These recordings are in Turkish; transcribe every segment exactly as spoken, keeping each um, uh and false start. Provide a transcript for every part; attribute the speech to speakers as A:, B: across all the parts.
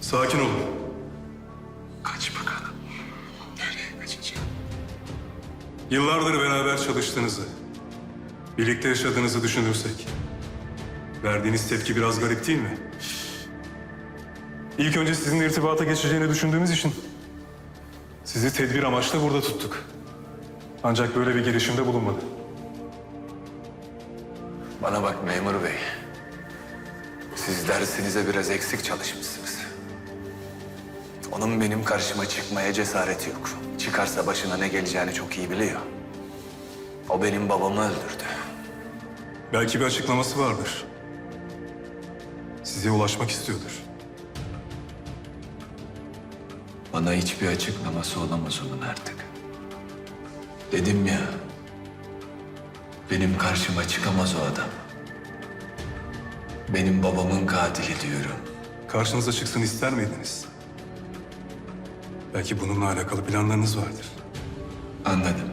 A: Sakin olun.
B: Kaç bakalım. Nereye kaçacağım?
A: Yıllardır beraber çalıştığınızı, birlikte yaşadığınızı düşünürsek... verdiğiniz tepki biraz garip değil mi? İlk önce sizinle irtibata geçeceğini düşündüğümüz için... sizi tedbir amaçlı burada tuttuk. Ancak böyle bir girişimde bulunmadı.
B: Bana bak memur bey. Siz dersinize biraz eksik çalışmışsınız. Onun benim karşıma çıkmaya cesareti yok. Çıkarsa başına ne geleceğini çok iyi biliyor. O benim babamı öldürdü.
A: Belki bir açıklaması vardır. Size ulaşmak istiyordur.
B: Bana hiçbir açıklaması olamaz onun artık. Dedim ya, benim karşıma çıkamaz o adam. Benim babamın katili diyorum.
A: Karşınıza çıksın ister miydiniz? Belki bununla alakalı planlarınız vardır.
B: Anladım.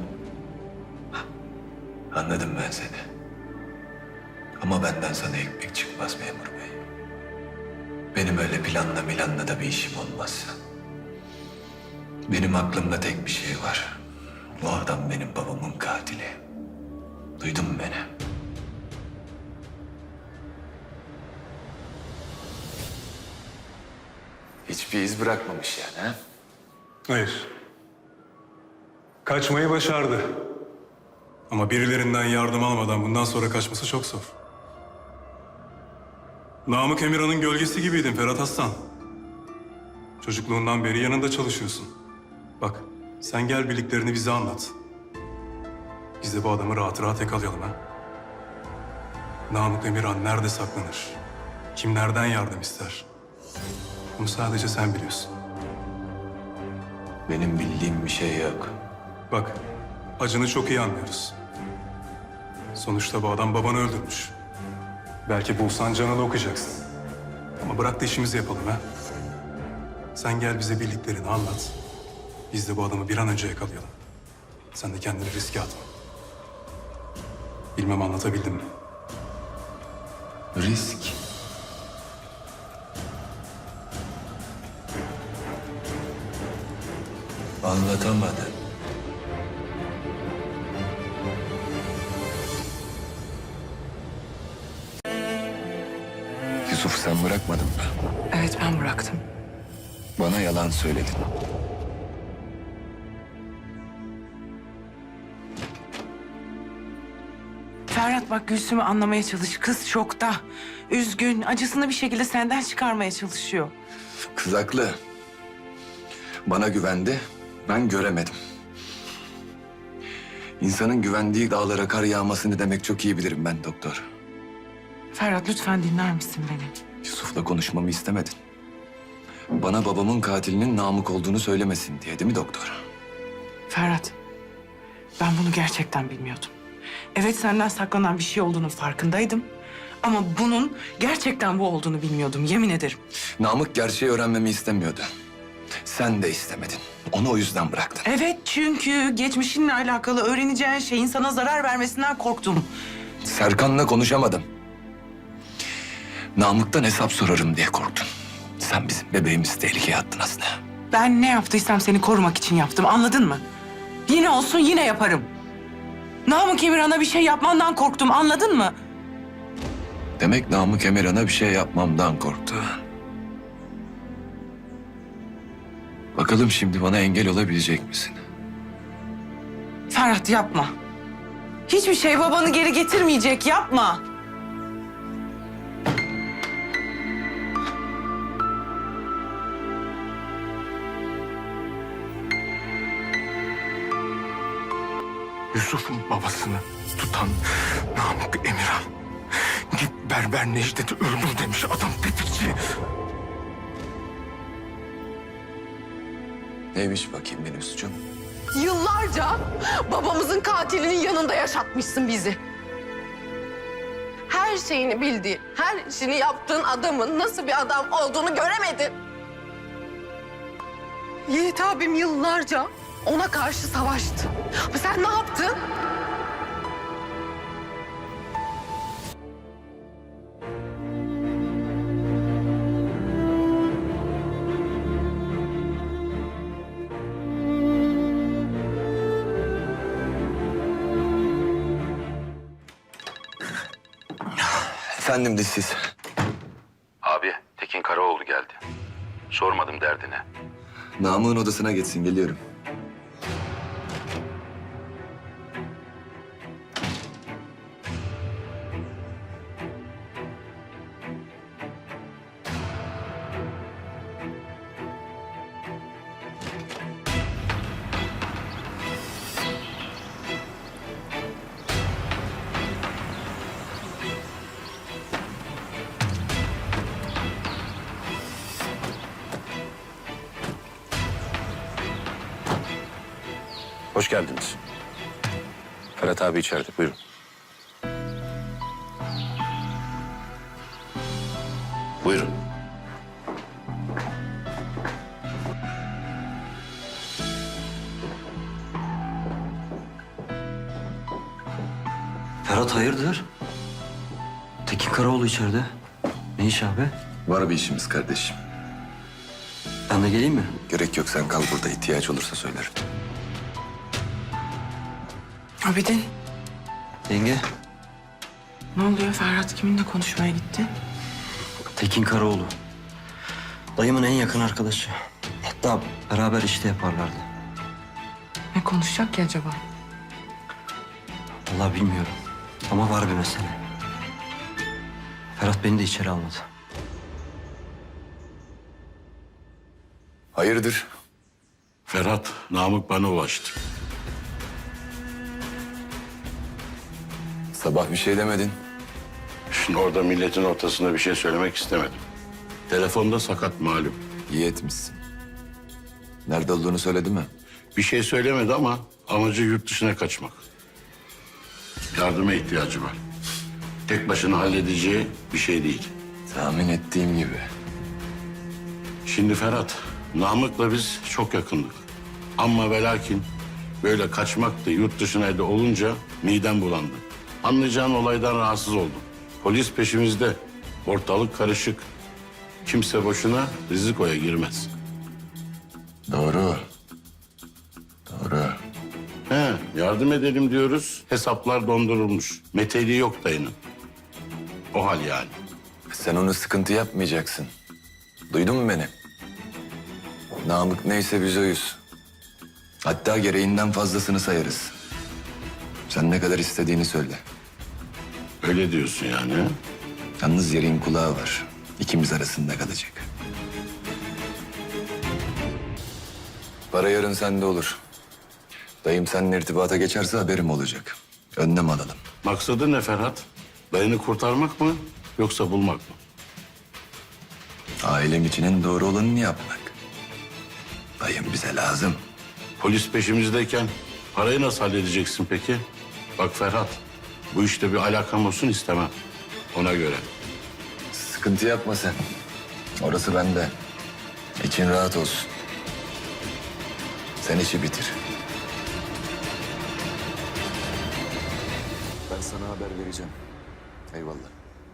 B: Anladım ben seni. Ama benden sana ekmek çıkmaz memur bey. Benim öyle planla milanla da bir işim olmaz. Benim aklımda tek bir şey var. O adam benim babamın katili. Duydun mu beni? Hiçbir iz bırakmamış yani ha?
A: Hayır. Kaçmayı başardı. Ama birilerinden yardım almadan bundan sonra kaçması çok zor. Namık Emirhan'ın gölgesi gibiydin Ferhat Aslan. Çocukluğundan beri yanında çalışıyorsun. Bak, sen gel bildiklerini bize anlat. Biz de bu adamı rahat rahat yakalayalım ha. Namık Emirhan nerede saklanır? Kimlerden yardım ister? Bunu sadece sen biliyorsun.
B: Benim bildiğim bir şey yok.
A: Bak, acını çok iyi anlıyoruz. Sonuçta bu adam babanı öldürmüş. Belki bulsan canını okuyacaksın. Ama bırak da işimizi yapalım ha. Sen gel bize bildiklerini anlat. Biz de bu adamı bir an önce yakalayalım. Sen de kendini riske atma. Bilmem anlatabildim mi?
B: Risk. Anlatamadım. Yusuf sen bırakmadın mı?
C: Evet, ben bıraktım.
B: Bana yalan söyledin.
C: Ferhat bak, Gülsüm'ü anlamaya çalış. Kız şokta. Üzgün, acısını bir şekilde senden çıkarmaya çalışıyor.
B: Kız haklı. Bana güvendi, ben göremedim. İnsanın güvendiği dağlara kar yağması ne demek çok iyi bilirim ben doktor.
C: Ferhat lütfen dinler misin beni?
B: Yusuf'la konuşmamı istemedin. Bana babamın katilinin Namık olduğunu söylemesin diye değil mi doktor?
C: Ferhat, ben bunu gerçekten bilmiyordum. Evet, senden saklanan bir şey olduğunun farkındaydım. Ama bunun gerçekten bu olduğunu bilmiyordum, yemin ederim.
B: Namık gerçeği öğrenmemi istemiyordu. Sen de istemedin. Onu o yüzden bıraktın.
C: Evet, çünkü geçmişinle alakalı öğreneceğin şeyin sana zarar vermesinden korktum.
B: Serkan'la konuşamadım. Namık'tan hesap sorarım diye korktun. Sen bizim bebeğimizi tehlikeye attın aslında.
C: Ben ne yaptıysam seni korumak için yaptım, anladın mı? Yine olsun yine yaparım. Namık Emirhan'a bir şey yapmandan korktum, anladın mı?
B: Demek Namık Emirhan'a bir şey yapmamdan korktu. Bakalım şimdi bana engel olabilecek misin?
C: Ferhat yapma. Hiçbir şey babanı geri getirmeyecek, yapma.
D: Yusuf'un babasını tutan Namık Emirhan. Git berber Necdet'i öldür demiş adam tetikçi.
B: Neymiş bakayım benim suçum?
E: Yıllarca babamızın katilinin yanında yaşatmışsın bizi. Her şeyini bildiğin, her işini yaptığın adamın nasıl bir adam olduğunu göremedin. Yiğit abim yıllarca ona karşı savaştı. Ama sen ne yaptın?
B: Efendim dişsiz.
F: Abi, Tekin Karaoğlu geldi. Sormadım derdine.
B: Namık'ın odasına geçsin, geliyorum.
F: Hoş geldiniz. Ferhat abi içeride, buyurun. Buyurun.
G: Ferhat hayırdır? Tekin Karaoğlu içeride. Ne iş abi?
B: Var bir işimiz kardeşim.
G: Ben de geleyim mi?
B: Gerek yok, sen kal burada. İhtiyaç olursa söylerim.
C: Abidin,
G: Yenge,
C: ne oluyor? Ferhat kiminle konuşmaya gitti?
G: Tekin Karaoğlu. Dayımın en yakın arkadaşı. Hatta beraber işte yaparlardı.
C: Ne konuşacak ki acaba?
G: Vallahi bilmiyorum. Ama var bir mesele. Ferhat beni de içeri almadı.
B: Hayırdır?
H: Ferhat, Namık bana ulaştı.
B: Sabah bir şey demedin.
H: Şimdi orada milletin ortasında bir şey söylemek istemedim. Telefonda sakat malum.
B: İyi etmişsin. Nerede olduğunu söyledi mi?
H: Bir şey söylemedi ama amacı yurt dışına kaçmak. Yardıma ihtiyacı var. Tek başına halledeceği bir şey değil.
B: Tahmin ettiğim gibi.
H: Şimdi Ferhat, Namık'la biz çok yakındık. Ama ve lakin böyle kaçmak da yurt dışına da olunca midem bulandı. Anlayacağın olaydan rahatsız oldum. Polis peşimizde. Ortalık karışık. Kimse boşuna rizikoya girmez.
B: Doğru. Doğru.
H: He, yardım edelim diyoruz. Hesaplar dondurulmuş. Meteliği yok dayının. O hal yani.
B: Sen onu sıkıntı yapmayacaksın. Duydun mu beni? Namık neyse biz oyuz. Hatta gereğinden fazlasını sayarız. Sen ne kadar istediğini söyle.
H: Öyle diyorsun yani. he?
B: Yalnız yerin kulağı var. İkimiz arasında kalacak. Para yarın sende olur. Dayım seninle irtibata geçerse haberim olacak. Önlem alalım.
H: Maksadı ne Ferhat? Dayını kurtarmak mı yoksa bulmak mı?
B: Ailem için en doğru olanını yapmak. Dayım bize lazım.
H: Polis peşimizdeyken parayı nasıl halledeceksin peki? Bak Ferhat, bu işte bir alakam olsun istemem. Ona göre.
B: Sıkıntı yapma sen. Orası bende. İçin rahat olsun. Sen işi bitir. Ben sana haber vereceğim. Eyvallah.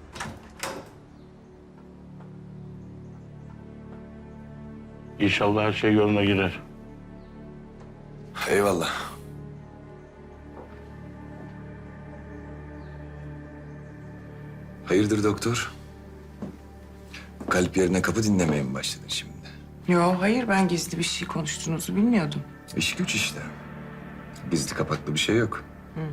H: İnşallah her şey yoluna girer.
B: Eyvallah. Hayırdır doktor? Kalp yerine kapı dinlemeye mi başladın şimdi?
C: Yo, hayır, ben gizli bir şey konuştuğunuzu bilmiyordum.
B: İş güç işte. Gizli kapaklı bir şey yok.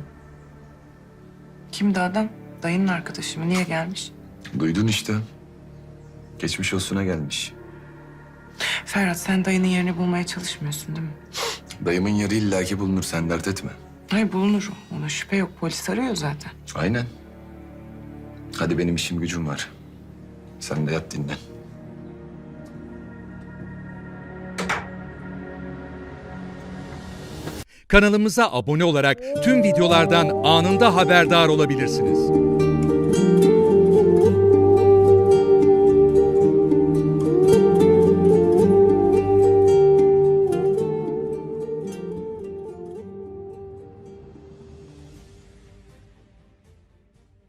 C: Kimdi adam? Dayının arkadaşı mı? Niye gelmiş?
B: Duydun işte. Geçmiş olsuna gelmiş.
C: Ferhat, sen dayının yerini bulmaya çalışmıyorsun değil mi?
B: Dayımın yeri illaki bulunur, sen dert etme.
C: Hayır, bulunur. Ona şüphe yok. Polis arıyor zaten.
B: Aynen. Hadi benim işim gücüm var. Sen de yat dinlen.
I: Kanalımıza abone olarak tüm videolardan anında haberdar olabilirsiniz.